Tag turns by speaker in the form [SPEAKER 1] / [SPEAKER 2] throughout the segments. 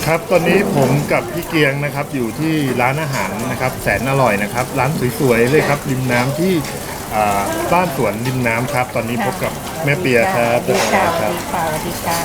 [SPEAKER 1] ครับตอนนี้ผมกับพี่เกียงนะครับอยู่ที่ร้านอาหารนะครับแสนอร่อยนะครับร้านสวยๆเลยครับริมน้ำที่บ้านสวนริมน้ำครับตอนนี้พบกับแม่เปียครับ
[SPEAKER 2] สวัสดีค่ะ
[SPEAKER 1] ครับ
[SPEAKER 2] สวัสดีค่ะ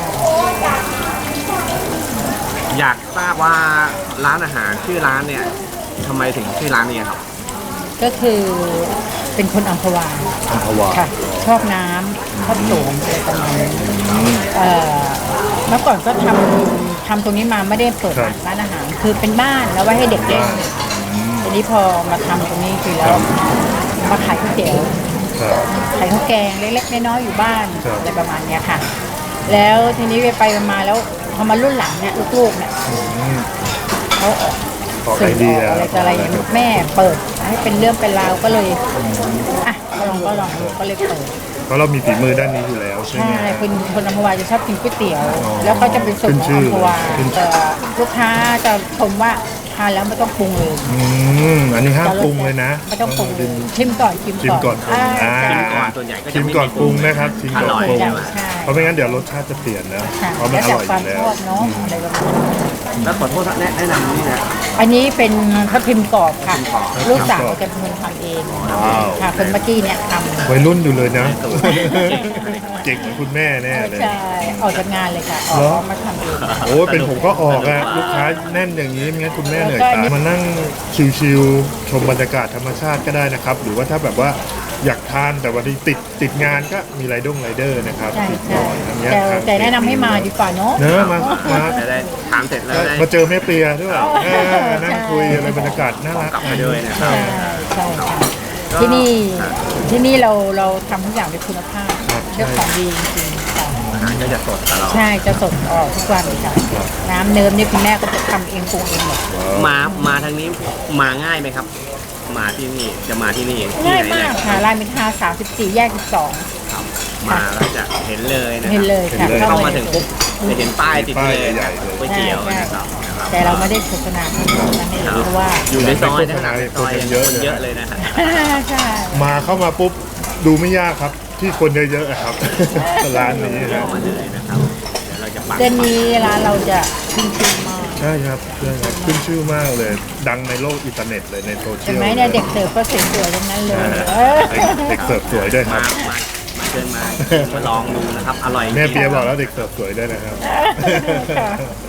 [SPEAKER 3] อยากทราบว่าร้านอาหารชื่อร้านเนี่ยทำไมถึงชื่อร้านนี้ครับ
[SPEAKER 2] ก็คือเป็นคนอัมพวา
[SPEAKER 1] อัมพวา
[SPEAKER 2] ค่ะ ชอบน้ำชอบโสมอะไรประมาณนี้เมื่อก่อนก็ทำตรงนี้มาไม่ได้เปิดร้านอาหาร คือเป็นบ้านแล้วไว้ให้เด็กเล่นทีนี้พอมาทำตรงนี้คือแล้วมาขายก๋วยเตี๋ยว
[SPEAKER 1] ครับ
[SPEAKER 2] ขายข้าวแกงเล็กๆน้อยๆอยู่บ้าน
[SPEAKER 1] ครับ
[SPEAKER 2] อะไรประมาณเนี้ยค่ะ แล้วทีนี้ไปมาแล้วพอมารุ่นหลังเนี่ยลูกๆเนี่ยเขาออก
[SPEAKER 1] ขอไอเดีย
[SPEAKER 2] อะไรต่ออะไรอย่างเงี้ยแม่เปิดให้เป็นเรื่องเป็นราวก็เลยอ่ะก็ลองก็เลยเปิด
[SPEAKER 1] เพราะเรามีฝีมือด้านนี้อยู่แล้วใช่ไหม
[SPEAKER 2] ใช่คนอัมพวาจะชอบกินก๋วยเตี๋ยว
[SPEAKER 1] อ๋อ
[SPEAKER 2] แล้วก็จะเป็นสูตรของอัมพวา
[SPEAKER 1] ขึ้นชื่
[SPEAKER 2] แต่
[SPEAKER 1] อ
[SPEAKER 2] ลูกค้าจะชมว่าทานแล้วไม่ต้องปรุงเลย
[SPEAKER 1] อันนี้ห้ามปรุงเลยนะ
[SPEAKER 2] ไม่ต้องปรุง
[SPEAKER 1] ชิม
[SPEAKER 2] ชิมก่อน
[SPEAKER 1] ชิมก่อนปรุง
[SPEAKER 2] ใช่
[SPEAKER 3] ชิมก่อนส่วนใหญ่ก็จะ
[SPEAKER 1] ชิม
[SPEAKER 3] ไม่
[SPEAKER 1] ก่อน
[SPEAKER 3] มี
[SPEAKER 1] ปรุงนะครับชิมก่อนปรุง
[SPEAKER 3] อร่อย
[SPEAKER 2] ใช่
[SPEAKER 1] เพราะไม่งั้นเดี๋ยวรสชาติจะเปลี่ยนนะ
[SPEAKER 2] ค่ะ
[SPEAKER 1] เพราะมัน
[SPEAKER 2] แล้ว
[SPEAKER 1] อ
[SPEAKER 2] แต่
[SPEAKER 1] ร่อยอ
[SPEAKER 2] ควา
[SPEAKER 1] ยู่แล้ว
[SPEAKER 2] มชอบเนาะอะไรประมาณนี้
[SPEAKER 3] แล้วขอโทษแนะนำนี่นะ
[SPEAKER 2] อันนี้เป็นทับทิมกรอบค่ะ
[SPEAKER 3] ทับทิมกรอบ
[SPEAKER 2] ลูกสาวจะเป็นคนทำเอง
[SPEAKER 1] ว้าว
[SPEAKER 2] ค่ะคนเมื่อกี้เนี่ยทำ
[SPEAKER 1] วัยรุ่นอยู่เลยนะ เก่งเหมือนคุณแม่แน่เลย
[SPEAKER 2] ใช่ออกจากงานเลยค่ะอ
[SPEAKER 1] เหรอ
[SPEAKER 2] อกมาทำเอง
[SPEAKER 1] โอ้เป็นผมก็ออกอะลูกค้าแน่นอย่างนี้ไม่งั้นคุณแม่เหนื่อย
[SPEAKER 2] แล้วก็
[SPEAKER 1] ตายมานั่งชิลๆชมบรรยากาศธรรมชาติก็ได้นะครับ หรือว่าถ้าแบบว่าอยากทานแต่วันที่ติดงานก็มีไรเดอร์นะครับ
[SPEAKER 2] ใช่
[SPEAKER 1] ติด
[SPEAKER 2] ใช่
[SPEAKER 1] ต่ออย่างเงี้ย
[SPEAKER 2] แต่แนะนำให้มาดีกว่าเนาะ
[SPEAKER 1] เนอะมา
[SPEAKER 3] จะได้ถามเสร็จแล้วได้
[SPEAKER 1] มาเจอแม่เปียด้วย
[SPEAKER 2] ใช่
[SPEAKER 1] นั่งคุยอะไรบรรยากาศน่ารัก
[SPEAKER 3] กลับมาด้วยนะ
[SPEAKER 2] ใช่ใช่ค่ะที่นี่เราทำทุกอย่างด้วยคุณภาพเรื่องของดีจริงๆค่ะ
[SPEAKER 3] อาหารก็จะสดตลอด
[SPEAKER 2] ใช่จะสดออกทุกวันเลยค่ะน้ำเนิมนี่คุณแม่ก็จะทำเองปรุงเองหมด
[SPEAKER 3] มาทางนี้มาง่ายไหมครับ มาที่นี่จะมาที่นี่ที่
[SPEAKER 2] ง่าย
[SPEAKER 3] ไหน
[SPEAKER 2] มากค่ะรามอินทรา34 แยก
[SPEAKER 3] ครับมาแล้วจะเห็นเลยนะ
[SPEAKER 2] 12
[SPEAKER 3] ค
[SPEAKER 2] เห็น
[SPEAKER 3] รับ
[SPEAKER 2] เลยค่ะ
[SPEAKER 3] เข้ามาถึงปุ๊บจะเห็นป้ายติดเลย
[SPEAKER 1] ใหญ่ๆเลย
[SPEAKER 3] ก๋วยเตี๋ยวนะครับ
[SPEAKER 2] แต่เราไม่ได้โฆษณาขนาดนั้นเลยเพราะว่า
[SPEAKER 3] อยู่ในซอยนะในซอย
[SPEAKER 1] คนเยอะ
[SPEAKER 3] คนเยอะเลยนะครับ
[SPEAKER 2] ใช่
[SPEAKER 1] มาเข้ามาปุ๊บดูไม่ยากครับ ที่คนเยอะๆอะครับ ร้านนี้นะ
[SPEAKER 3] เข้ามาเลยนะครับเดี๋ยวเราจะปัก
[SPEAKER 2] เดือนนี้ร้านเราจะขึ้นชื่อมาก
[SPEAKER 1] ใช่ครับขึ้นชื่อมากเลย ดังในโลกอินเทอร์เน็ตเลยในโซเชี
[SPEAKER 2] เห็
[SPEAKER 1] ย
[SPEAKER 2] น
[SPEAKER 1] ล
[SPEAKER 2] ไหมเนี่ยเด็กเสิร์ฟก็สวยๆทั้งนั้นเลย
[SPEAKER 1] เด็กเสิร์ฟสวยด้วยค
[SPEAKER 3] มา
[SPEAKER 1] รับ
[SPEAKER 3] มาเชิญมาลองดูนะครับ อร่อยจริง
[SPEAKER 1] แม่เปียบอกแล้วเด็กเสิร์ฟสวยด้วยนะครับ